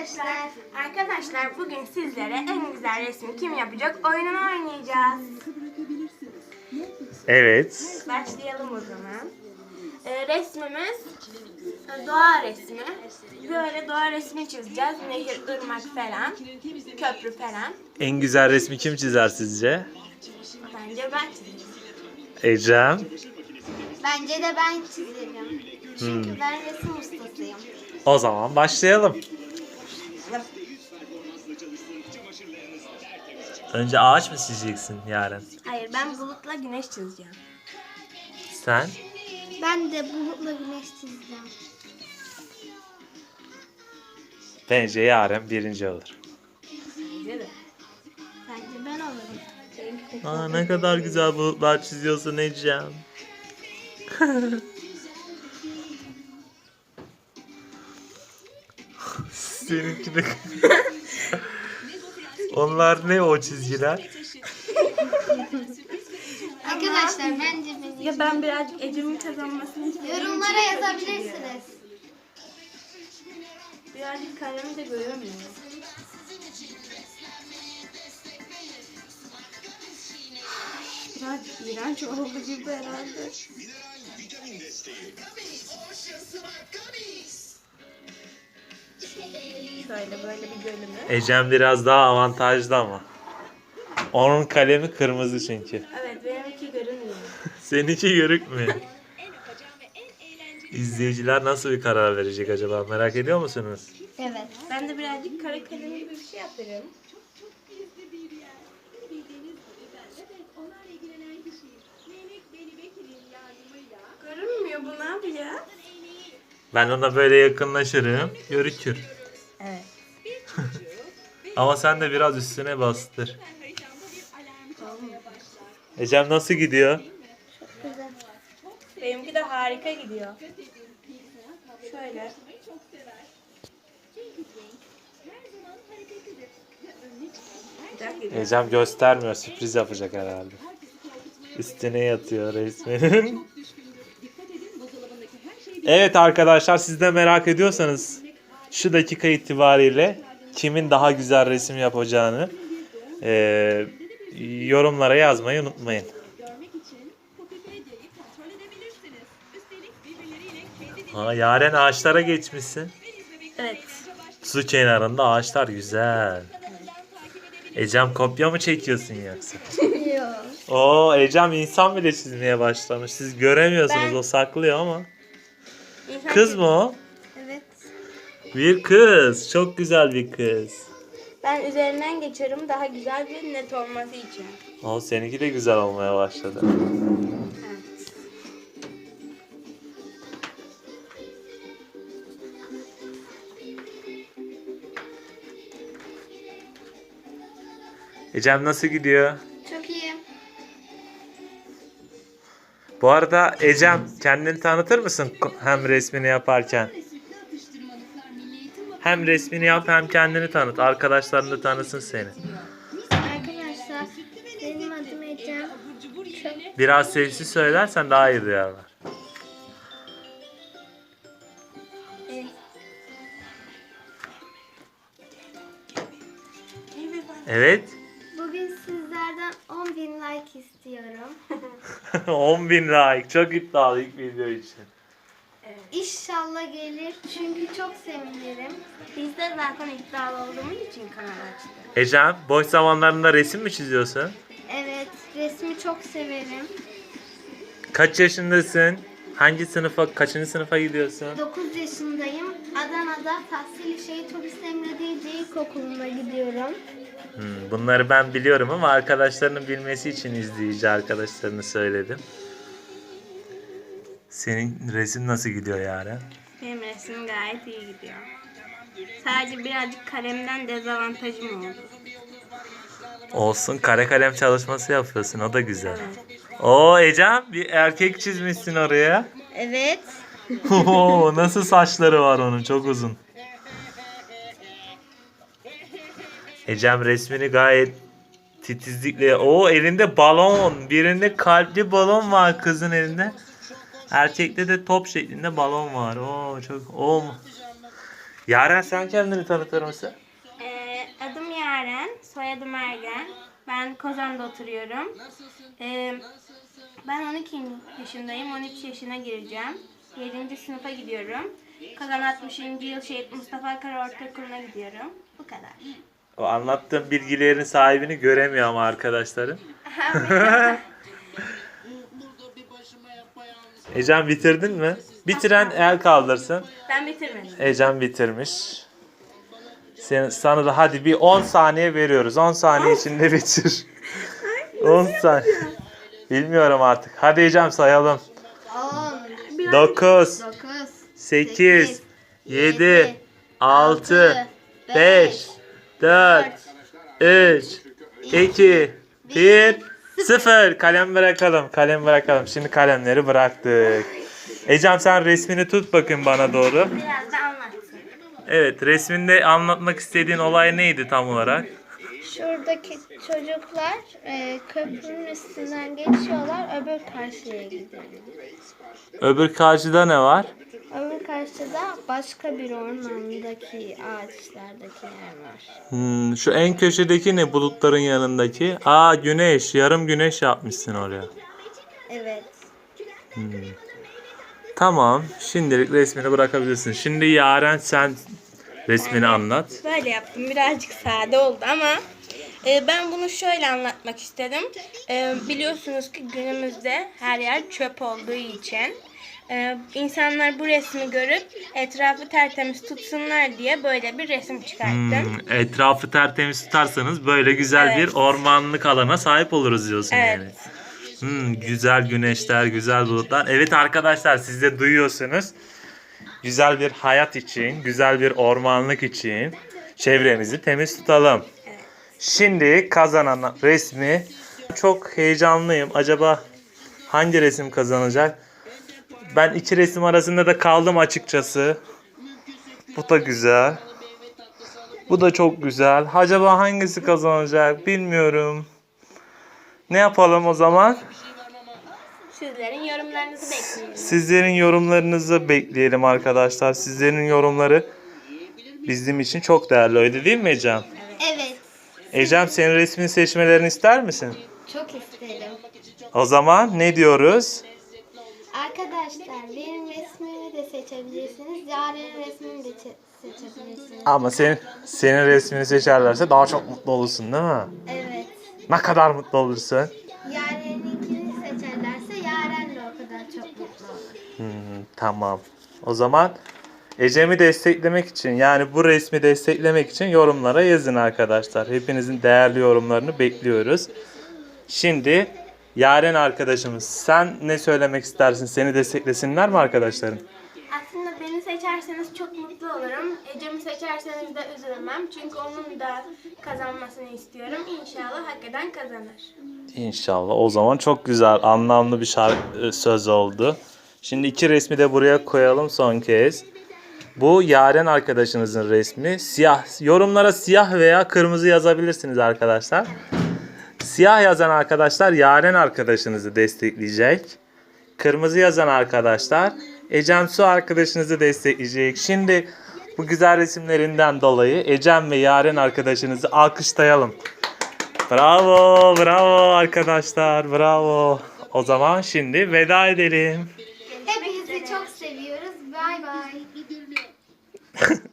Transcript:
arkadaşlar. Arkadaşlar bugün sizlere en güzel resmi kim yapacak oyununu oynayacağız. Evet. Başlayalım o zaman. Resmimiz doğa resmi. Böyle doğa resmi çizeceğiz. Nehir, ırmak falan, köprü falan. En güzel resmi kim çizer sizce? Bence ben çizeceğim. Ecem. Bence de ben çizerim. Çünkü ben resim ustasıyım. O zaman başlayalım. Önce ağaç mı çizeceksin Yaren? Hayır, ben bulutla güneş çizeceğim. Sen? Ben de bulutla güneş çizeceğim. Bence Yaren birinci olur. Bence de. Bence ben olurum. Aa, ne kadar güzel bulutlar çiziyorsun Ecem. Seninki de... Onlar ne o çizgiler? Arkadaşlar bence benim. Ya ben birazcık Ecem'in kazanmasını istiyorum. Yorumlara yazabilirsiniz. Birazcık kalemi de göremiyorum. Birazcık iğrenç oldu gibi herhalde. Şöyle böyle bir bölümü. Ecem biraz daha avantajlı ama. Onun kalemi kırmızı çünkü. Evet, benimki görünmüyor. Seninki görükmüyor. İzleyiciler nasıl bir karar verecek acaba, merak ediyor musunuz? Evet. Ben de birazcık kara kalemi gibi bir şey yaparım. Görünmüyor bu, ne yapıyor? Ben ona böyle yakınlaşırım, görükür. Evet. Ama sen de biraz üstüne bastır. Ecem nasıl gidiyor? Güzel. Benimki de harika gidiyor. Şöyle. Güzel gidiyor. Ecem göstermiyor, sürpriz yapacak herhalde. Üstüne yatıyor resminin. Evet arkadaşlar, siz de merak ediyorsanız şu dakika itibariyle kimin daha güzel resim yapacağını yorumlara yazmayı unutmayın. Yaren, ağaçlara geçmişsin. Evet. Su kenarında ağaçlar güzel. Ecem kopya mı çekiyorsun yoksa? Yok. Oo, Ecem insan bile çizmeye başlamış. Siz göremiyorsunuz, o saklıyor ama. Kız mı o? Evet. Bir kız. Çok güzel bir kız. Ben üzerinden geçiyorum daha güzel bir net olması için. O seninki de güzel olmaya başladı. Evet. Ecem nasıl gidiyor? Çok iyi. Bu arada Ecem, kendini tanıtır mısın hem resmini yaparken? Hem resmini yap hem kendini tanıt. Arkadaşların da tanısın seni. Arkadaşlar benim adım Ecem. Biraz sessiz söylersen daha iyi duyarlar. Evet. Bugün sizlerden 10.000 like istiyorum. 10.000 like. Çok iddialı ilk video için. İnşallah gelir çünkü çok sevinirim. Biz de zaten iddialı olduğumuz için kanal açtık. Ecem, boş zamanlarında resim mi çiziyorsun? Evet, resmi çok severim. Kaç yaşındasın? Kaçıncı sınıfa gidiyorsun? 9 yaşındayım. Adana'da Tahsil-i Şehit Turist Emre Diyece İlkokulu'na gidiyorum. Bunları ben biliyorum ama arkadaşlarının bilmesi için izleyici arkadaşlarını söyledim. Senin resim nasıl gidiyor Yaren? Benim resmim gayet iyi gidiyor. Sadece birazcık kalemden dezavantajım oldu. Olsun, kare kalem çalışması yapıyorsun, o da güzel. Oo Ecem, bir erkek çizmişsin oraya. Evet. Oo, nasıl saçları var onun, çok uzun. Ecem resmini gayet titizlikle... Oo, elinde balon. Birinde kalpli balon var kızın elinde. Erkekte de top şeklinde balon var. Oo, çok... Oo. Yaren sen kendini tanıtır mısın? Adım Yaren, soyadım Ergen. Ben Kozan'da oturuyorum. Ben 12 yaşındayım, 13 yaşına gireceğim. 7. sınıfa gidiyorum. Kozan 60. Yıl Şehit Mustafa Kara Ortaokulu'na gidiyorum. Bu kadar. O anlattığım bilgilerin sahibini göremiyor ama arkadaşlarım. Ecem bitirdin mi? Bitiren el kaldırsın. Ben bitirmedim. Ecem bitirmiş. Sana da hadi bir 10 saniye veriyoruz. 10 saniye içinde bitir. 10 saniye. Bilmiyorum artık. Hadi Ecem sayalım. 10, 9, 9, 8, 7, 6, 5, 4, 3, 2, 1, 0. Kalem bırakalım. Kalem bırakalım. Şimdi kalemleri bıraktık. Ecem sen resmini tut bakın bana doğru. Biraz da anlatsın. Evet, resminde anlatmak istediğin olay neydi tam olarak? Şuradaki çocuklar köprünün üstünden geçiyorlar, öbür karşıya gidiyor. Öbür karşıda ne var? Öbür karşıda başka bir ormandaki ağaçlardaki yer var. Şu en köşedeki ne bulutların yanındaki? Aa güneş, yarım güneş yapmışsın oraya. Evet. Tamam, şimdilik resmini bırakabilirsin. Şimdi Yaren sen resmini anlat. Böyle yaptım. Birazcık sade oldu ama ben bunu şöyle anlatmak istedim. Biliyorsunuz ki günümüzde her yer çöp olduğu için insanlar bu resmi görüp etrafı tertemiz tutsunlar diye böyle bir resim çıkarttım. Etrafı tertemiz tutarsanız böyle güzel Evet. bir ormanlık alana sahip oluruz diyorsun Evet. yani. Güzel güneşler, güzel bulutlar. Evet arkadaşlar siz de duyuyorsunuz. Güzel bir hayat için, güzel bir ormanlık için çevremizi temiz tutalım. Şimdi kazanan resmi çok heyecanlıyım. Acaba hangi resim kazanacak? Ben iki resim arasında da kaldım açıkçası. Bu da güzel. Bu da çok güzel. Acaba hangisi kazanacak bilmiyorum. Ne yapalım o zaman? Sizlerin yorumlarınızı bekliyorum. Sizlerin yorumlarınızı bekleyelim arkadaşlar. Sizlerin yorumları bizim için çok değerli. Öyle değil mi Ecem? Evet. Ecem senin resmini seçmelerini ister misin? Çok isterim. O zaman ne diyoruz? Arkadaşlar benim resmimi de seçebilirsiniz. Yaren'in resmini de seçebilirsiniz. Ama senin resmini seçerlerse daha çok mutlu olursun değil mi? Evet. Ne kadar mutlu olursun? Yaren'inkini seçerlerse Yaren de o kadar çok mutlu olur. Tamam. O zaman Ecem'i desteklemek için yani bu resmi desteklemek için yorumlara yazın arkadaşlar. Hepinizin değerli yorumlarını bekliyoruz. Şimdi Yaren arkadaşımız sen ne söylemek istersin? Seni desteklesinler mi arkadaşların? Aslında beni seçerseniz çok mutlu olurum. Ecem'i seçerseniz de üzülmem. Çünkü onun da kazanmasını istiyorum. İnşallah hak eden kazanır. İnşallah. O zaman çok güzel, anlamlı bir söz oldu. Şimdi iki resmi de buraya koyalım son kez. Bu Yaren arkadaşınızın resmi. Siyah. Yorumlara siyah veya kırmızı yazabilirsiniz arkadaşlar. Siyah yazan arkadaşlar Yaren arkadaşınızı destekleyecek. Kırmızı yazan arkadaşlar Ecem Su arkadaşınızı destekleyecek. Şimdi bu güzel resimlerinden dolayı Ecem ve Yaren arkadaşınızı alkışlayalım. Bravo, bravo arkadaşlar, bravo. O zaman şimdi veda edelim. Hepinizi çok seviyoruz. Bay bay.